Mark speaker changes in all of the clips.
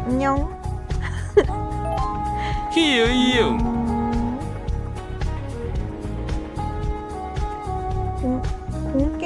Speaker 1: 안녕.
Speaker 2: 히어이응.
Speaker 1: 공개?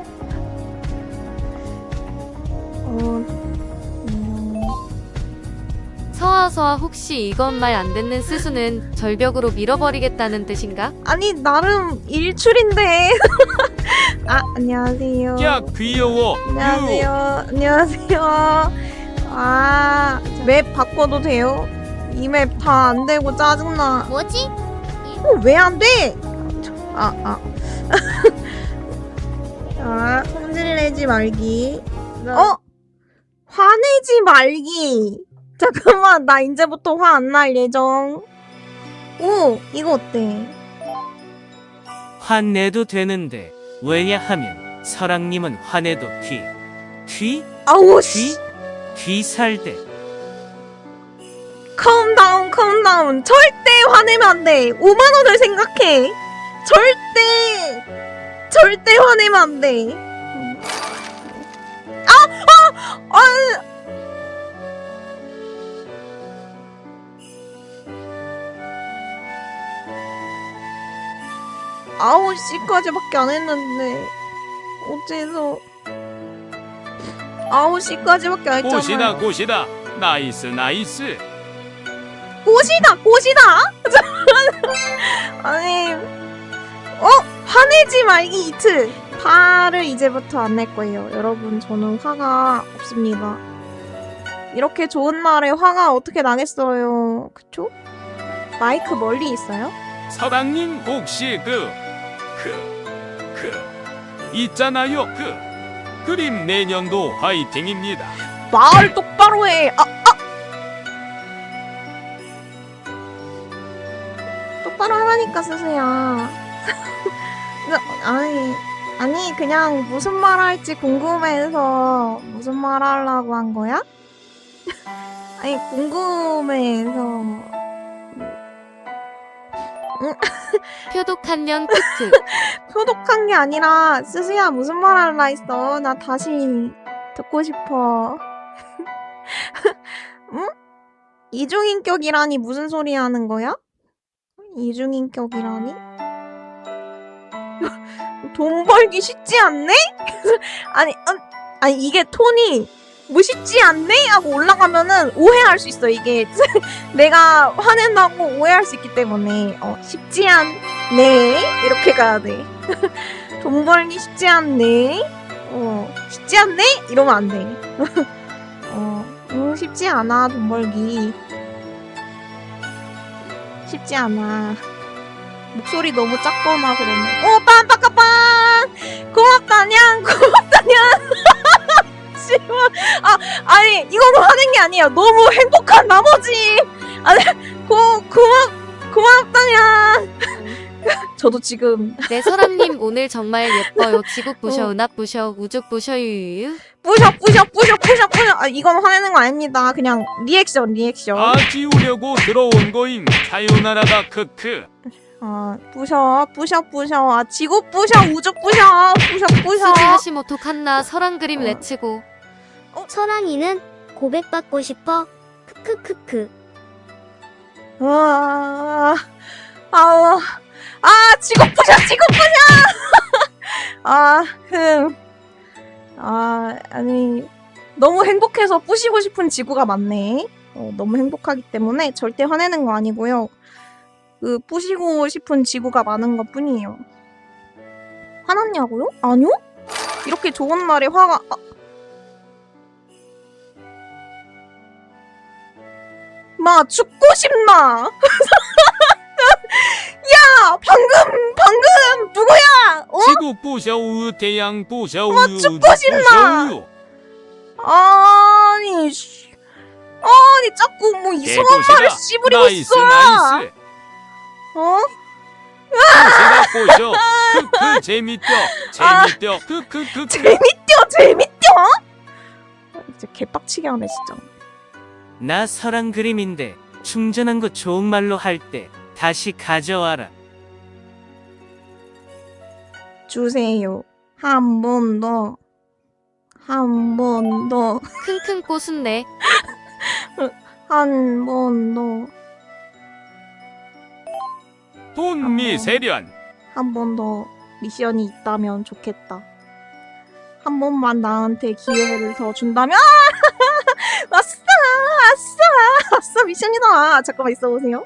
Speaker 3: 서아서아 혹시 이건 말 안 듣는 스수는 절벽으로 밀어버리겠다는 뜻인가?
Speaker 1: 아니 나름 일출인데. 아 안녕하세요.
Speaker 2: 야 귀여워.
Speaker 1: 안녕하세요. 안녕하세요. 아, 맵 바꿔도 돼요? 이 맵 다 안 되고 짜증나.
Speaker 4: 뭐지?
Speaker 1: 왜 안 돼? 자, 성질내지 말기. 화내지 말기. 잠깐만, 나 이제부터 화 안 날 예정. 오, 이거 어때?
Speaker 5: 화내도 되는데 왜냐하면 설랑님은 화내도
Speaker 1: 아우 씨.
Speaker 5: 귀살대.
Speaker 1: 컴다운. 절대 화내면 안 돼. 5만 원을 생각해. 절대 화내면 안 돼. 아홉 시까지밖에 안 했는데 어째서 9시까지밖에 안 했잖아.
Speaker 2: 꽃이다. 나이스.
Speaker 1: 꽃이다. 아니, 화내지 말기 이트. 화를 이제부터 안 낼 거예요. 여러분, 저는 화가 없습니다. 이렇게 좋은 날에 화가 어떻게 나겠어요. 그쵸? 마이크 멀리 있어요?
Speaker 2: 설랑님 혹시 있잖아요. 그림 내년도 화이팅입니다.
Speaker 1: 말 똑바로 해. 똑바로 하라니까 스스야. 아니 그냥 무슨 말 할지 궁금해서 무슨 말 하려고 한 거야? 아니 궁금해서.
Speaker 3: 표독한 년 크크.
Speaker 1: 표독한 게 아니라 스스야 무슨 말 할라 했어. 나 다시 듣고 싶어. 응? 이중인격이라니 무슨 소리 하는 거야? 이중인격이라니? 돈 벌기 쉽지 않네? 아니 이게 톤이 뭐 쉽지 않네? 하고 올라가면은 오해할 수 있어. 이게 내가 화낸다고 오해할 수 있기 때문에 쉽지 않네 이렇게 가야 돼. 돈 벌기 쉽지 않네. 쉽지 않네? 이러면 안 돼. 쉽지 않아 돈 벌기. 쉽지 않아. 목소리 너무 작거나 그러면 빰빠까빰 고맙다냥 씨발. 아니 이거로 하는 게 아니에요. 너무 행복한 나머지. 아니 고맙다냥. 저도 지금
Speaker 3: 네 설랑님 오늘 정말 예뻐요. 지국 부셔 은합 부셔 우죽 부셔 유유유.
Speaker 1: 뿌셔. 이건 화내는 거 아닙니다. 그냥 리액션.
Speaker 2: 지우려고 들어온 거임. 사요나라다. 크크.
Speaker 1: 뿌셔. 지구 뿌셔, 우주 뿌셔.
Speaker 3: 스지 하시모토 칸나 설랑 그림 레츠고.
Speaker 4: 설랑이는 고백받고 싶어. 크크크크.
Speaker 1: 지구 뿌셔. 아니 너무 행복해서 뿌시고 싶은 지구가 많네. 너무 행복하기 때문에 절대 화내는 거 아니고요. 뿌시고 싶은 지구가 많은 것 뿐이에요. 화났냐고요? 아니요? 이렇게 좋은 날에 화가 마 죽고 싶나? 야 방금 누구야?
Speaker 2: 지구 부셔우 태양 부셔우
Speaker 1: 죽고 싶나? 아니 자꾸 뭐 이상한 말을 씨부리고 있어.
Speaker 2: 나이스. 부셔. 크크 재밌죠. 크크크크.
Speaker 1: 재밌죠? 진짜 개빡치게 하네 진짜.
Speaker 5: 나 설랑 그림인데 충전한 거 좋은 말로 할 때 다시 가져와라.
Speaker 1: 주세요. 한 번 더.
Speaker 3: 킁킁 꼬순네.
Speaker 1: 한 번 더.
Speaker 2: 돈미 세련.
Speaker 1: 한 번 더 미션이 있다면 좋겠다. 한 번만 나한테 기회를 더 준다면 아싸 아싸 미션이다. 잠깐만 있어보세요.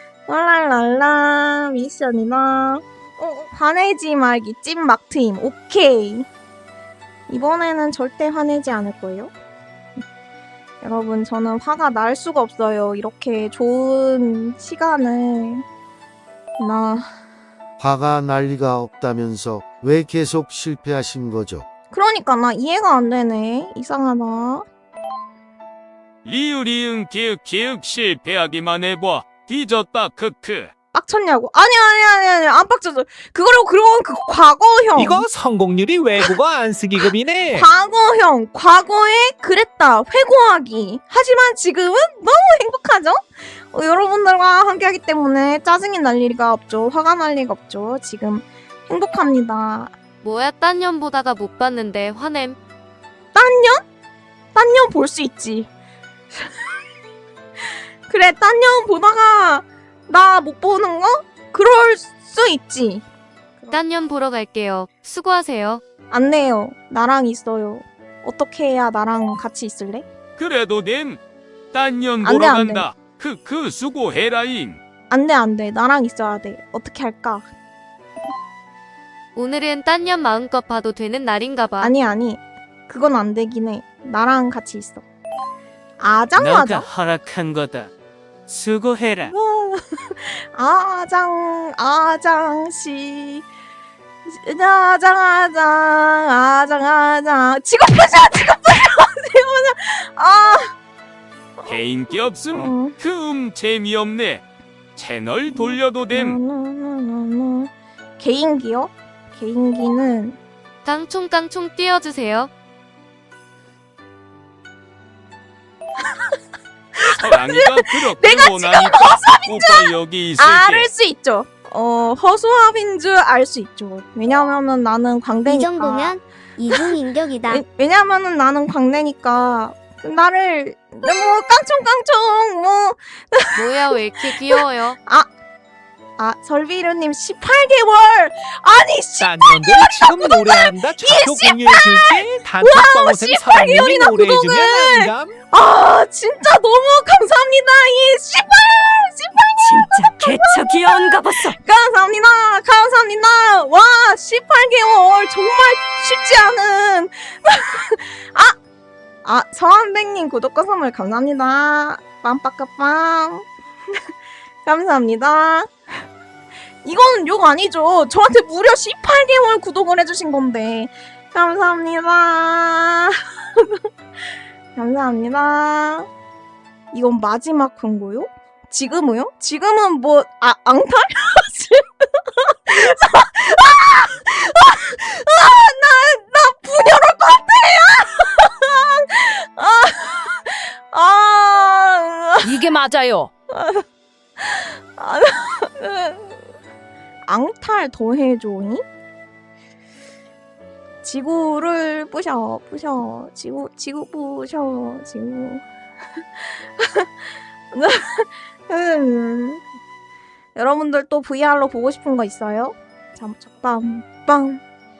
Speaker 1: 랄랄랄라 미션이다. 화내지 말기 찐막 트임. 오케이. 이번에는 절대 화내지 않을 거예요. 여러분 저는 화가 날 수가 없어요. 이렇게 좋은 시간을
Speaker 6: 화가 날 리가 없다면서 왜 계속 실패하신 거죠?
Speaker 1: 그러니까 나 이해가 안 되네. 이상하다.
Speaker 2: 리으리응 기윽 실패하기만 해봐. 뒤졌다 크크.
Speaker 1: 빡쳤냐고? 아니 안 빡쳤어. 그건 그 과거형.
Speaker 7: 이거 성공률이 외국어 안쓰기급이네.
Speaker 1: 과거형. 과거에 그랬다. 회고하기. 하지만 지금은 너무 행복하죠? 여러분들과 함께하기 때문에 짜증이 날 리가 없죠. 화가 날 리가 없죠. 지금 행복합니다.
Speaker 3: 뭐야 딴 년 보다가 못 봤는데 화냄.
Speaker 1: 딴 년 볼 수 있지. 그래, 딴 년 보다가 나 못 보는 거? 그럴 수 있지.
Speaker 3: 딴 년 보러 갈게요. 수고하세요.
Speaker 1: 안 돼요. 나랑 있어요. 어떻게 해야 나랑 같이 있을래?
Speaker 2: 그래도 됨. 딴년
Speaker 1: 안 돼,
Speaker 2: 보러
Speaker 1: 안 돼.
Speaker 2: 간다. 크크 수고해라잉.
Speaker 1: 안 돼. 나랑 있어야 돼. 어떻게 할까?
Speaker 3: 오늘은 딴 년 마음껏 봐도 되는 날인가 봐.
Speaker 1: 아니. 그건 안 되긴 해. 나랑 같이 있어.
Speaker 5: 너가
Speaker 1: 아장아장.
Speaker 5: 허락한 거다. 수고해라.
Speaker 1: 아장씨. 아장. 지금 보자. 아.
Speaker 2: 개인기 없음. 재미없네. 채널 돌려도 됨.
Speaker 1: 개인기요? 개인기는
Speaker 3: 깡총깡총 띄워주세요.
Speaker 2: 서랑이가 그렇게
Speaker 1: 내가
Speaker 2: 원하니까 오빠 여기 있을게.
Speaker 1: 알 수 있죠. 허수아비인 줄 알 수 있죠. 왜냐면은 나는 광대니까.
Speaker 4: 이 정도면 이중인격이다.
Speaker 1: 왜냐면은 나는 광대니까 나를 뭐 깡총깡총 뭐
Speaker 3: 뭐야 왜 이렇게 귀여워요?
Speaker 1: 설비루님 18개월 아니
Speaker 7: 딴 년들 지금 노래한다. 좌표 공유해줄게. 단톡방어샘 사랑님이 노래해주면 안감.
Speaker 1: 진짜 너무 감사합니다. 이 씨발
Speaker 8: 진짜 개척 귀여운가 봤어.
Speaker 1: 감사합니다. 와 18개월 정말 쉽지 않은 서한백님 구독과 선물 감사합니다. 빰빠까빰 감사합니다. 이거는 욕 아니죠. 저한테 무려 18개월 구독을 해주신 건데 감사합니다. 감사합니다. 이건 마지막 광고요? 지금은요? 지금은 뭐 앙탈? 나 분열 올 것 같아.
Speaker 8: 이게 맞아요.
Speaker 1: 앙탈 더해줘잉? 지구를 부셔 지구 부셔 지구 여러분들 또 VR로 보고 싶은 거 있어요? 빵빵빵빵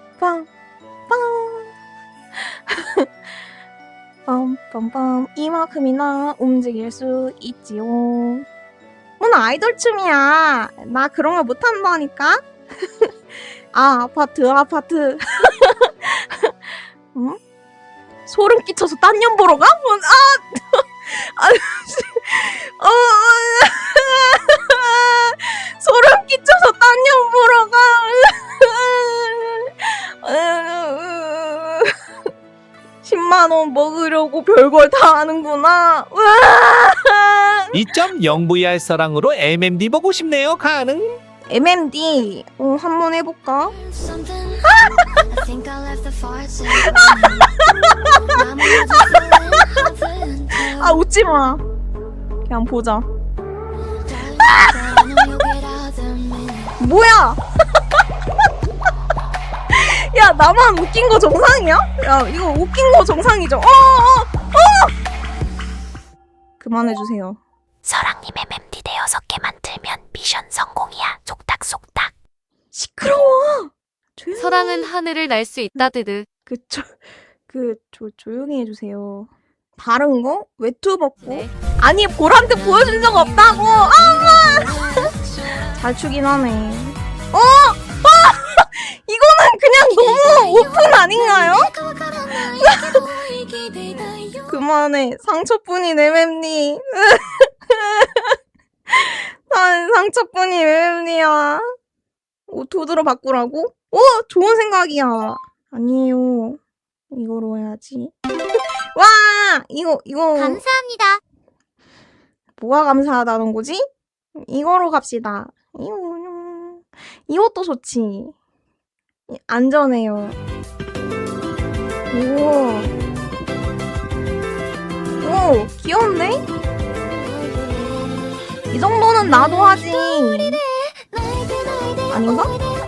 Speaker 1: 빰빰빰 이만큼이나 움직일 수 있지요. 뭔 아이돌 춤이야. 나 그런 거 못한다니까. 아파트 응? 소름 끼쳐서 딴 년 보러 가? 소름 끼쳐서 딴 년 보러 가. 10만원 먹으려고 별걸 다 하는구나.
Speaker 7: 2.0VR 서랑으로 MMD 보고 싶네요. 가능?
Speaker 1: MMD 한번 해볼까? 웃지마. 그냥 보자. 뭐야? 야 나만 웃긴 거 정상이야? 야 이거 웃긴 거 정상이죠? 그만해주세요.
Speaker 9: 서랑님 MMD 대 6개 만들면 미션 성공이야. 속닥속닥.
Speaker 1: 시끄러워. 조용히.
Speaker 3: 서랑은 하늘을 날 수 있다 드드.
Speaker 1: 조용히 해주세요. 다른 거? 외투 벗고?
Speaker 3: 네.
Speaker 1: 아니 볼한테 보여준 적 없다고. 잘 추긴 하네. 이거는 그냥 너무 오픈 아닌가요? 그만해. 상처뿐인 MM니. 난 상처뿐인 MM니야. 도드로 바꾸라고? 좋은 생각이야. 아니에요. 이거로 해야지. 와! 이거.
Speaker 4: 감사합니다.
Speaker 1: 뭐가 감사하다는 거지? 이거로 갑시다. 이것도 좋지. 안전해요. 오, 귀여운데? 이 정도는 나도 하지. 아닌가?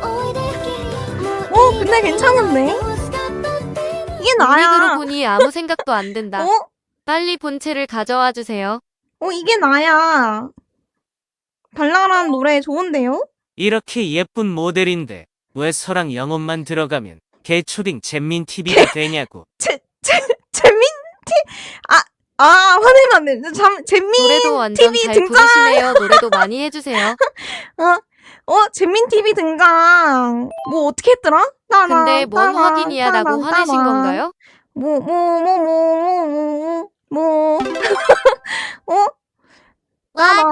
Speaker 1: 근데 괜찮은데? 이게
Speaker 3: 언니그로
Speaker 1: 나야.
Speaker 3: 보니 아무 생각도 안 든다. 빨리 본체를 가져와 주세요.
Speaker 1: 이게 나야. 발랄한 노래 좋은데요?
Speaker 5: 이렇게 예쁜 모델인데 왜 서랑 영혼만 들어가면 개초딩 잼민 TV가 되냐고.
Speaker 1: 재민티? 화내면 안 돼. 재민
Speaker 3: 노래도 완전
Speaker 1: TV
Speaker 3: 잘
Speaker 1: 등장!
Speaker 3: 부르시네요. 노래도 많이 해주세요.
Speaker 1: 재민 TV 등장. 뭐 어떻게 했더라?
Speaker 3: 근데 뭔 확인이야 라고 화내신 건가요?
Speaker 4: 와,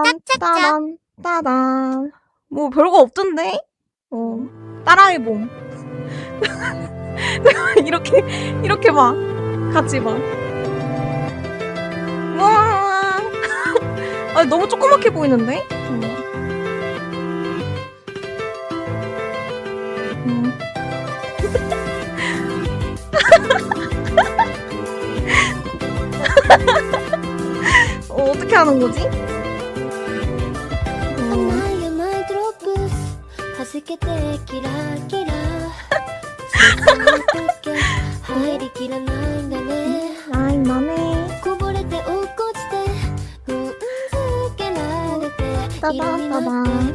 Speaker 1: 따단. 뭐 별거 없던데? 따라해봄. 이렇게 봐. 같이 봐. 와. 너무 조그맣게 보이는데? 어떻게 하는 거지? 아이 나네. 따단.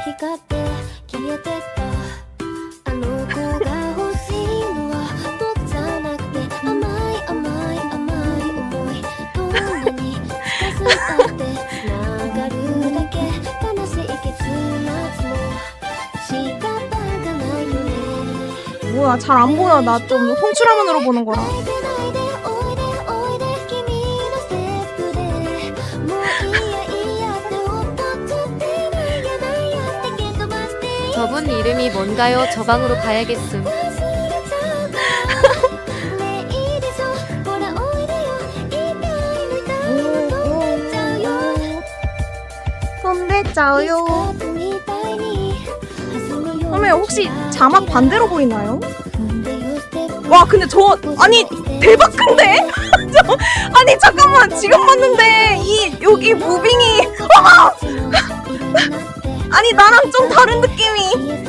Speaker 1: 뭐야, 잘 안 보여. 나 좀 송출화면으로 보는 거라.
Speaker 3: 저분 이름이 뭔가요? 저 방으로 가야겠음.
Speaker 1: 손대짜요. 그러면 혹시 자막 반대로 보이나요? 와, 근데 아니 대박 큰데? 아니 잠깐만, 지금 봤는데 여기 무빙이 아니 나랑 좀 다른 느낌이.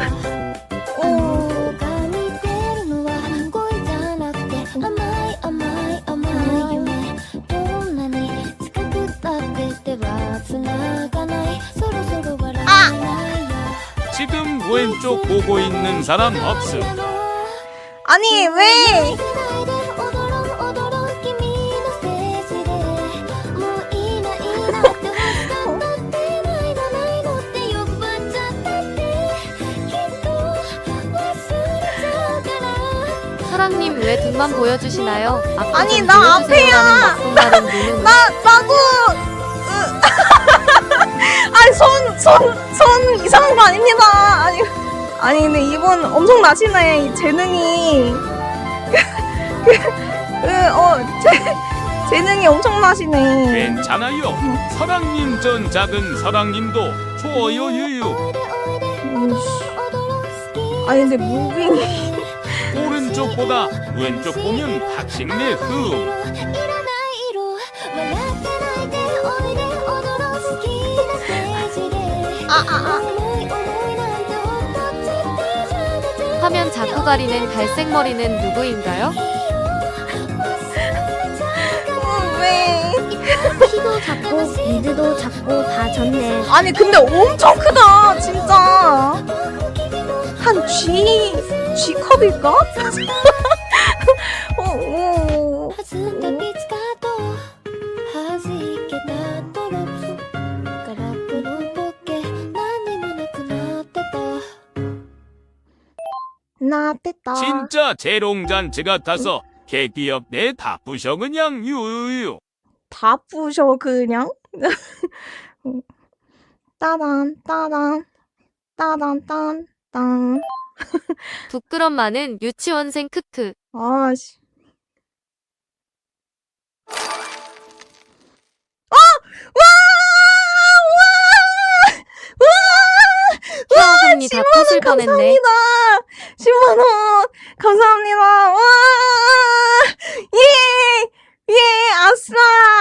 Speaker 2: 지금 왼쪽 보고 있는 사람 없음.
Speaker 1: 아니 왜?
Speaker 3: 사랑님 왜 등만 보여주시나요? 앞도
Speaker 1: 아니,
Speaker 3: 좀
Speaker 1: 나
Speaker 3: 보여주세요라는 막동다른 눈은
Speaker 1: 나도 아니 손 이상한 거 아닙니다. 아니 근데 이분 엄청 나시네. 이 재능이 재능이 엄청 나시네.
Speaker 2: 괜찮아요. 서랑님 전 작은 서랑님도 좋아요 유유.
Speaker 1: 아니 근데 무빙이
Speaker 2: 오른쪽보다 왼쪽 보면 탁식내 흠.
Speaker 3: 화면 자꾸 가리는 갈색 머리는 누구인가요?
Speaker 1: 왜?
Speaker 4: 좋네.
Speaker 1: 아니 근데 엄청 크다 진짜. 한 G컵일까? 어. 나 됐다.
Speaker 2: 진짜 재롱잔치 같아서 개기업 내 다 부셔 그냥 유유.
Speaker 1: 다 부셔 그냥. 따단 따단 따단 딴딴.
Speaker 3: 부끄럼 많은 유치원생 크크.
Speaker 1: 아씨.
Speaker 3: 혜영언니 다 터질 뻔했네.
Speaker 1: 감사합니다. 10만 원 감사합니다. 와, 예, 아싸.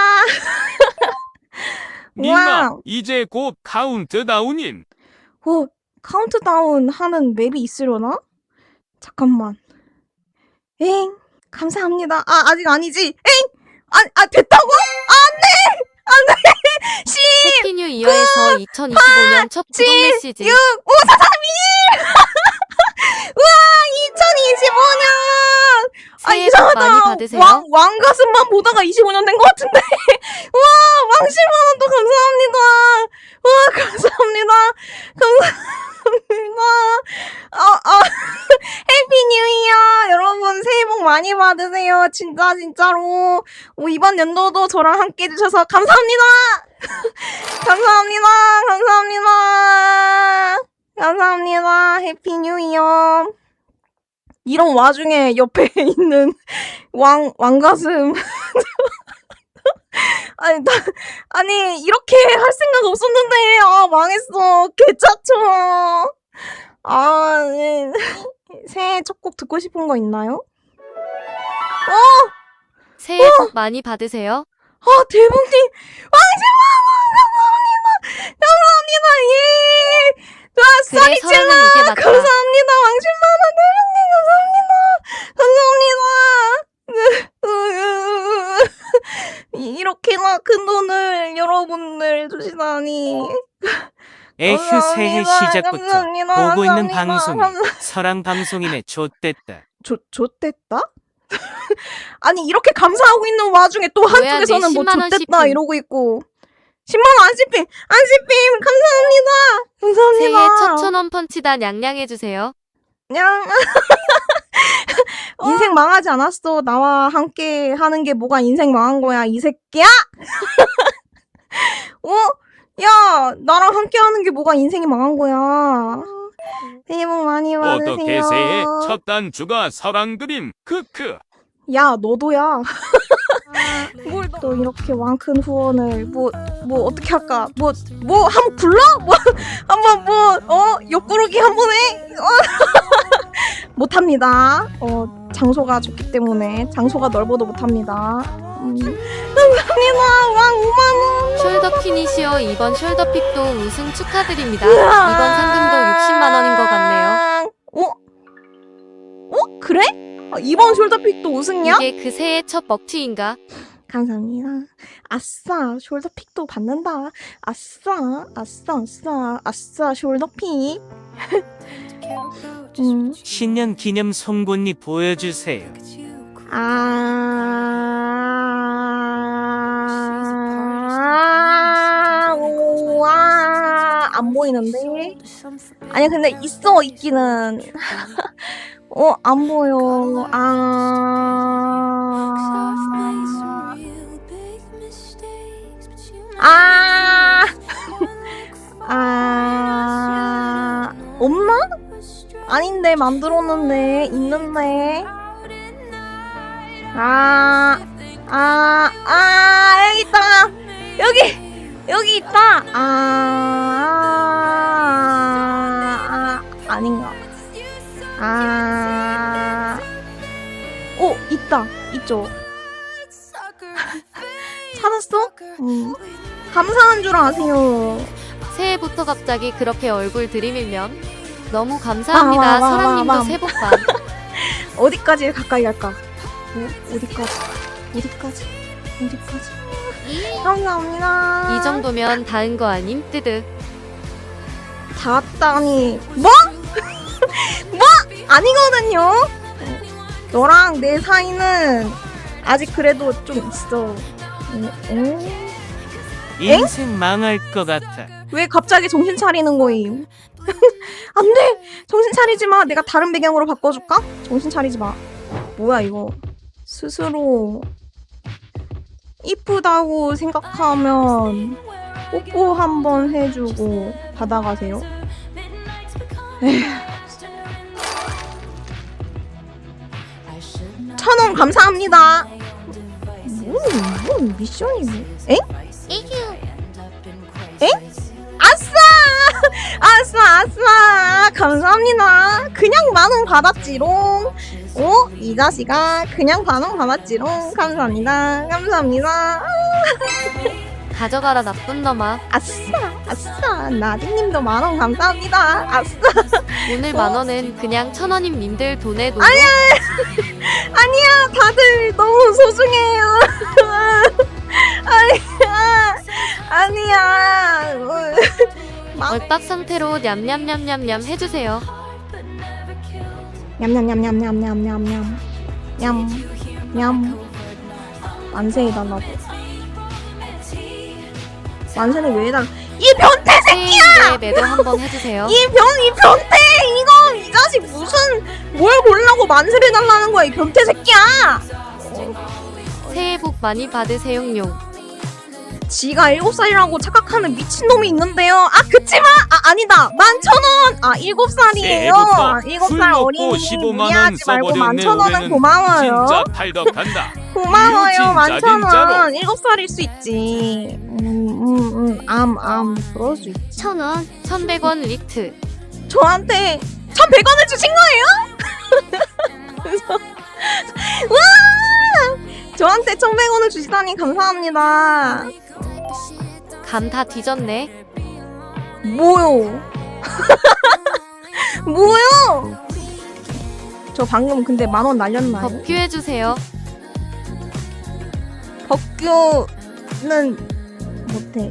Speaker 2: 니마
Speaker 1: 와,
Speaker 2: 이제 곧 카운트다운임.
Speaker 1: 카운트다운 하는 맵이 있으려나? 잠깐만. 엥, 감사합니다. 아직 아니지. 엥, 됐다고? 안 돼. 10,
Speaker 3: 해피뉴 이어에서 2025년 첫 구독 메시지.
Speaker 1: 6, 5, 4, 3, 2, 1. 우와, 2025년.
Speaker 3: 새해 복 많이 받으세요.
Speaker 1: 왕가슴만 보다가 25년 된 것 같은데. 우와, 왕 10만 원 또 감사합니다. 우와, 감사합니다. 해피 뉴 이어. 여러분, 새해 복 많이 받으세요. 진짜로. 이번 연도도 저랑 함께 해주셔서 감사합니다. 감사합니다. 해피 뉴 이어. 이런 와중에 옆에 있는 왕가슴. 아니, 이렇게 할 생각 없었는데, 망했어. 개짜쳐. 네. 새해 첫 곡 듣고 싶은 거 있나요?
Speaker 3: 새해 복 많이 받으세요.
Speaker 1: 대봉님, 감사합니다. 예.
Speaker 3: 그래
Speaker 1: 쏘리
Speaker 3: 서랑은 이게 맞다.
Speaker 1: 감사합니다. 왕십만원 대봉님 감사합니다. 이렇게나 큰 돈을 여러분들 주시다니.
Speaker 5: 에휴 새해 시작부터
Speaker 1: 감사합니다.
Speaker 5: 보고 있는
Speaker 1: 감사합니다.
Speaker 5: 방송이 서랑 방송이네 좆됐다.
Speaker 1: 좆됐다? 아니 이렇게 감사하고 있는 와중에 또
Speaker 3: 뭐야,
Speaker 1: 한쪽에서는
Speaker 3: 내
Speaker 1: 뭐
Speaker 3: 10만 원
Speaker 1: 좆됐다
Speaker 3: 씹힘.
Speaker 1: 이러고 있고. 10만원 안씹힘 감사합니다.
Speaker 3: 새해 첫 천원 펀치다 냥냥해주세요.
Speaker 1: 그냥 인생 망하지 않았어. 나와 함께 하는 게 뭐가 인생 망한 거야 이 새끼야. 야 나랑 함께 하는 게 뭐가 인생이 망한 거야. 새해 복 많이 받으세요.
Speaker 2: 어떻게 새해 첫 단추가 서랑 그림 크크.
Speaker 1: 야 너도야. 뭘 또 이렇게 왕큰 후원을 뭐 어떻게 할까? 뭐 한번 불러? 한번 옆구르기 한번 해? 못합니다. 장소가 좋기 때문에 장소가 넓어도 못합니다. 감사합니다. 왕 5만원.
Speaker 3: 숄더 피니시어 이번 숄더픽도 우승 축하드립니다. 이번 상금도 60만 원인 것 같네요.
Speaker 1: 그래? 이번 숄더픽도 우승이야?
Speaker 3: 이게 그 새해 첫 먹튀인가?
Speaker 1: 감사합니다. 아싸 숄더픽도 받는다. 아싸 숄더픽.
Speaker 5: 신년 기념 송곳니 보여주세요.
Speaker 1: 안 보이는데? 아니 근데 있기는. 안 보여. 없나? 아닌데 만들었는데 있는데. 여기 있다. 여기 있다. 아닌가? 있다. 있죠. 찾았어? 감사한 줄 아세요.
Speaker 3: 새해부터 갑자기 그렇게 얼굴 들이밀면 너무 감사합니다. 서랑님도 새해 복 많.
Speaker 1: 어디까지 가까이 갈까? 어디까지? 감사합니다.
Speaker 3: 이 정도면 다은 거 아님? 뜨드.
Speaker 1: 다 왔다니. 뭐? 뭐? 아니거든요. 너랑 내 사이는 아직 그래도 좀 있어.
Speaker 5: 인생 망할 것 같아.
Speaker 1: 왜 갑자기 정신 차리는 거임? 안 돼! 정신 차리지 마. 내가 다른 배경으로 바꿔줄까? 정신 차리지 마. 뭐야 이거. 스스로 이쁘다고 생각하면 뽀뽀 한번 해주고 받아가세요. 에휴. 1,000원 감사합니다. 뭔 미션이 뭐? 엥? 엥? 아싸! 아싸! 감사합니다. 그냥 10,000원 받았지롱. 이 자식아 그냥 10,000원 받았지롱. 감사합니다.
Speaker 3: 가져가라 나쁜 놈아.
Speaker 1: 아싸. 나디님도 10,000원 감사합니다. 아싸.
Speaker 3: 오늘 10,000원은 그냥 1,000원임 님들 돈에 노.
Speaker 1: 아니야, 다들 너무 소중해요. 아니야.
Speaker 3: 얼빡 상태로 냠냠냠냠냠 해주세요.
Speaker 1: 냠냠냠냠냠냠냠냠. 냠. 만세해달라고. 만세는 왜 해달라? 이 변태 새끼야!
Speaker 3: 새해인데 매도 한번 해주세요.
Speaker 1: 이 변태! 이 자식 뭘 보려고 만세를 해달라는 거야, 이 변태 새끼야!
Speaker 3: 새해 복 많이 받으세요용.
Speaker 1: 지가 7살이라고 착각하는 미친놈이 있는데요. 그치마! 아니다! 11,000원! 7살이에요.
Speaker 2: 새해부터
Speaker 1: 7살
Speaker 2: 술 먹고
Speaker 1: 어린이
Speaker 2: 15만 원
Speaker 1: 무리하지 말고
Speaker 2: 써버렸네.
Speaker 1: 11,000원은
Speaker 2: 올해는
Speaker 1: 고마워요.
Speaker 2: 진짜 탈덕한다.
Speaker 1: 고마워요.
Speaker 2: 진짜,
Speaker 1: 11,000원. 7살일 수 있지. 그럴 수 있지.
Speaker 4: 1,000원.
Speaker 3: 1,100원 리트.
Speaker 1: 저한테 1,100원을 주신 거예요? 그래서 와! 저한테 1,100원을 주시다니 감사합니다.
Speaker 3: 감 다 뒤졌네.
Speaker 1: 뭐요? 뭐요? 저 방금 근데 10,000원 날렸나요?
Speaker 3: 법규 해주세요.
Speaker 1: 법규는 못해.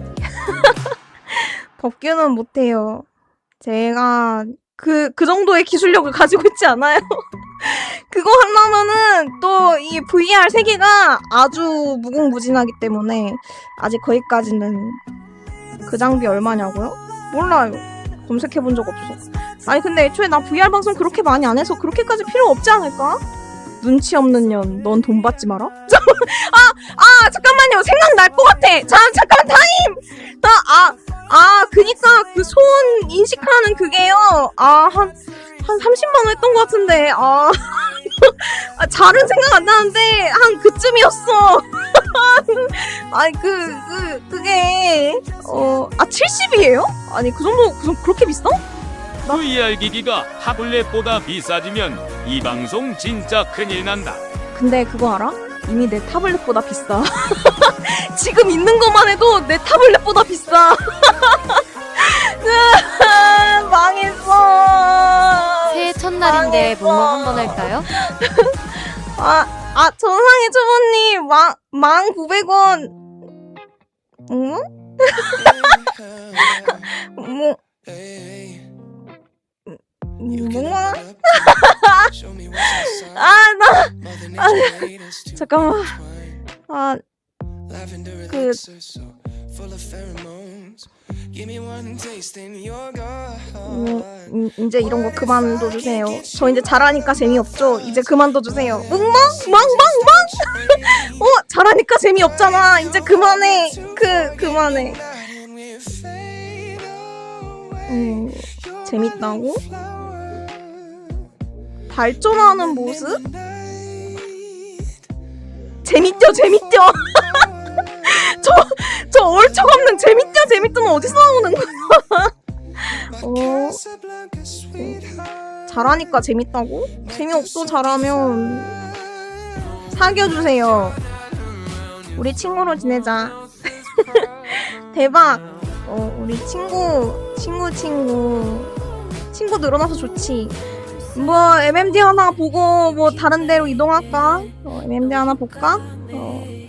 Speaker 1: 법규는 못해요. 제가 그 정도의 기술력을 가지고 있지 않아요. 그거 하려면은 또 이 VR 세계가 아주 무궁무진하기 때문에 아직 거기까지는. 그 장비 얼마냐고요? 몰라요. 검색해본 적 없어. 아니 근데 애초에 나 VR 방송 그렇게 많이 안 해서 그렇게까지 필요 없지 않을까? 눈치 없는 년, 넌 돈 받지 마라? 잠깐만요. 생각날 것 같아. 잠깐만 타임! 그니까 그 손 인식하는 그게요. 한 30만 원 했던 것 같은데. 잘은 생각 안 나는데 한 그쯤이었어. 그게 70이에요? 아니 그 정도 그렇게 비싸?
Speaker 2: VR 기기가 타블렛보다 비싸지면 이 방송 진짜 큰일 난다.
Speaker 1: 근데 그거 알아? 이미 내 타블렛보다 비싸. 지금 있는 것만 해도 내 타블렛보다 비싸. 망했어.
Speaker 3: 새해 첫날인데 뭐뭐 한번 할까요?
Speaker 1: 전상의 초보님 1,900원. 응? 뭐야? 잠깐만. 이제 이런 거 그만둬주세요. 저 이제 잘하니까 재미없죠? 이제 그만둬주세요. 멍멍? 잘하니까 재미없잖아. 이제 그만해. 그만해. 재밌다고? 발전하는 모습? 재밌죠? 저 얼척없는 재밌죠는 어디서 나오는 거야? 잘하니까 재밌다고? 재미없어 잘하면 사귀어주세요. 우리 친구로 지내자. 대박. 우리 친구 늘어나서 좋지. 뭐 MMD 하나 보고 뭐 다른 데로 이동할까? MMD 하나 볼까?